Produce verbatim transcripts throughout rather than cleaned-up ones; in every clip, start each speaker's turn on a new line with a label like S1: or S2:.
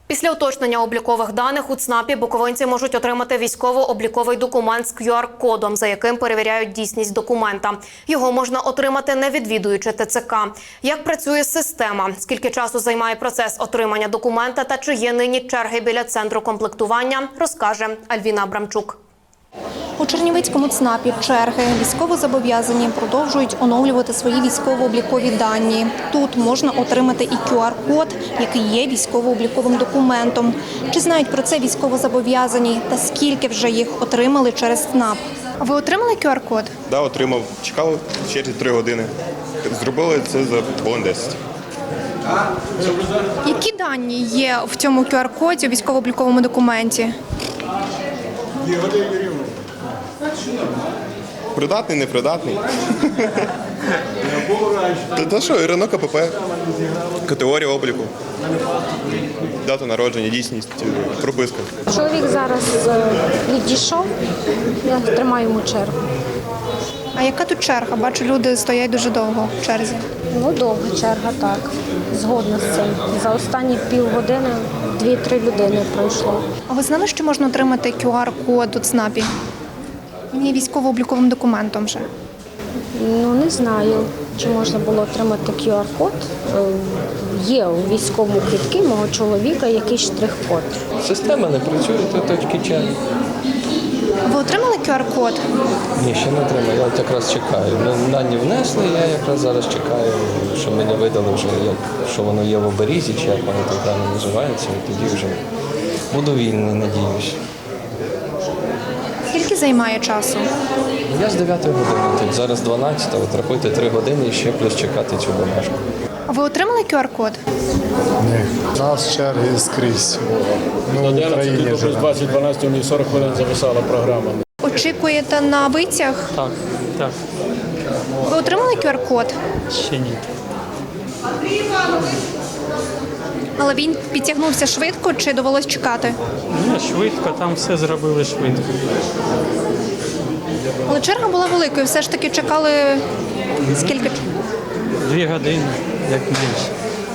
S1: Після уточнення облікових даних у ЦНАПі буковинці можуть отримати військово-обліковий документ з кю ар-кодом, за яким перевіряють дійсність документа. Його можна отримати, не відвідуючи те це ка. Як працює система, скільки часу займає процес отримання документа та чи є нині черги біля центру комплектування, розкаже Альвіна Абрамчук.
S2: У Чернівецькому ЦНАПі черги. Військовозобов'язані продовжують оновлювати свої військово-облікові дані. Тут можна отримати і кю ар-код, який є військово-обліковим документом. Чи знають про це військовозобов'язані та скільки вже їх отримали через ЦНАП? Ви отримали кю ар-код?
S3: Так, да, отримав. Чекав в черзі три години. Зробили це за хвилин десять.
S2: Які дані є в цьому кю ар-коді у військово-обліковому документі?
S3: Придатний, непридатний. Та що, РНО, ка пе пе, категорія обліку, дата народження, дійсність, прописка.
S4: Чоловік зараз відійшов, я тримаю йому чергу.
S2: А яка тут черга? Бачу, люди стоять дуже довго в черзі.
S4: Ну, довга черга, так. Згодна з цим. За останні півгодини дві-три людини пройшло.
S2: А ви знали, що можна отримати кю ар-код у ЦНАПі? Він є військово-обліковим документом вже.
S4: Ну, не знаю, чи можна було отримати кю ар-код. Є у військовому квитку мого чоловіка якийсь штрих-код.
S5: Система не працює до точки черги.
S2: Ви отримали кю ар-код?
S5: Ні, ще не отримав, я от якраз чекаю. Ну, дані внесли, я якраз зараз чекаю, що мені видали вже, як, що воно є в оберізі, чи як воно так далі називається, і тоді вже буду вільний, надіюсь.
S2: Скільки займає часу?
S5: Я з дев'ятої години тут, зараз дванадцята, от рахуйте три години і ще плюс чекати цю бумажку.
S2: А ви отримали кю ар-код?
S6: Ні, у нас черги скрізь. Ну, в
S7: одинадцять
S6: Україні
S7: до
S6: живемо.
S7: двадцять дванадцять у них сорок хвилин зависала програма.
S2: Очікуєте на витяг?
S8: Так, так,
S2: Ви отримали кю ар-код?
S8: ще ні.
S2: Але він підтягнувся швидко чи довелось чекати?
S8: Ні, швидко, там все зробили швидко.
S2: Але черга була великою, все ж таки чекали скільки?
S8: Дві години, як менше.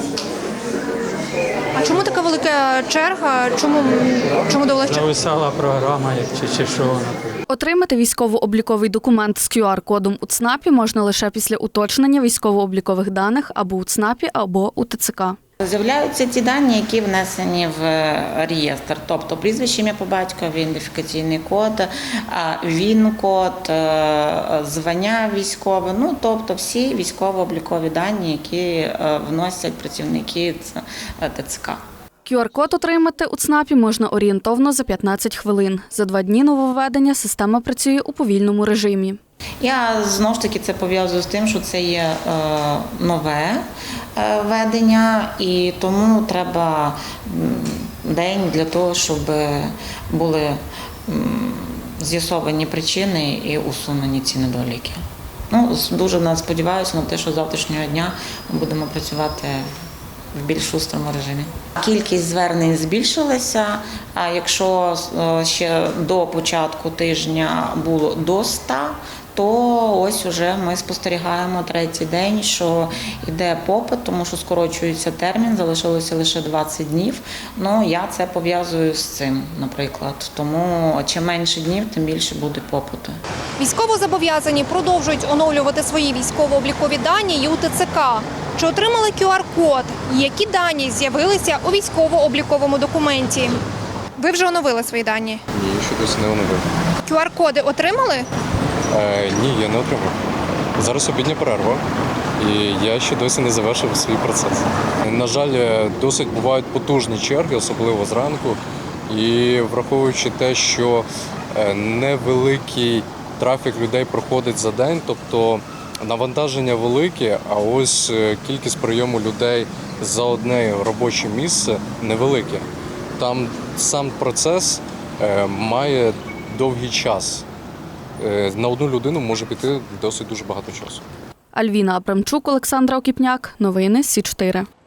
S2: А чому така велика черга? Чому, чому довелось чекати?
S8: Зависала програма, як чи, чи що вона.
S9: Отримати військово-обліковий документ з кю ар-кодом у ЦНАПі можна лише після уточнення військово-облікових даних або у ЦНАПі, або у те це ка.
S10: З'являються ті дані, які внесені в реєстр, тобто прізвище, ім'я по батькові, ідентифікаційний код, ВІН-код, звання військове, ну тобто всі військово-облікові дані, які вносять працівники те це ка.
S9: кю ар-код отримати у ЦНАПі можна орієнтовно за п'ятнадцять хвилин. За два дні нововведення система працює у повільному режимі.
S10: Я знову ж таки це пов'язую з тим, що це є е, нове е, ведення, і тому треба день для того, щоб були м, з'ясовані причини і усунені ці недоліки. Ну, дуже сподіваюся на те, що з завтрашнього дня ми будемо працювати в більш шустрому режимі. Кількість звернень збільшилася, а якщо ще до початку тижня було до ста, то ось уже ми спостерігаємо третій день, що йде попит, тому що скорочується термін, залишилося лише двадцять днів. Ну, я це пов'язую з цим, наприклад. Тому чим менше днів, тим більше буде попиту.
S2: Військовозобов'язані продовжують оновлювати свої військово-облікові дані і у те це ка. Чи отримали кю ар-код? Які дані з'явилися у військово-обліковому документі? Ви вже оновили свої дані?
S3: Ні, ще досі не оновив.
S2: кю ар-коди отримали?
S11: Е, ні, я не отримав. Зараз обідня перерва, і я ще досі не завершив свій процес. На жаль, досить бувають потужні черги, особливо зранку. І враховуючи те, що невеликий трафік людей проходить за день, тобто навантаження велике, а ось кількість прийому людей за одне робоче місце невелике. Там сам процес має довгий час. На одну людину може піти досить дуже багато часу.
S9: Альвіна Абрамчук, Олександра Окіпняк. Новини Сі чотири.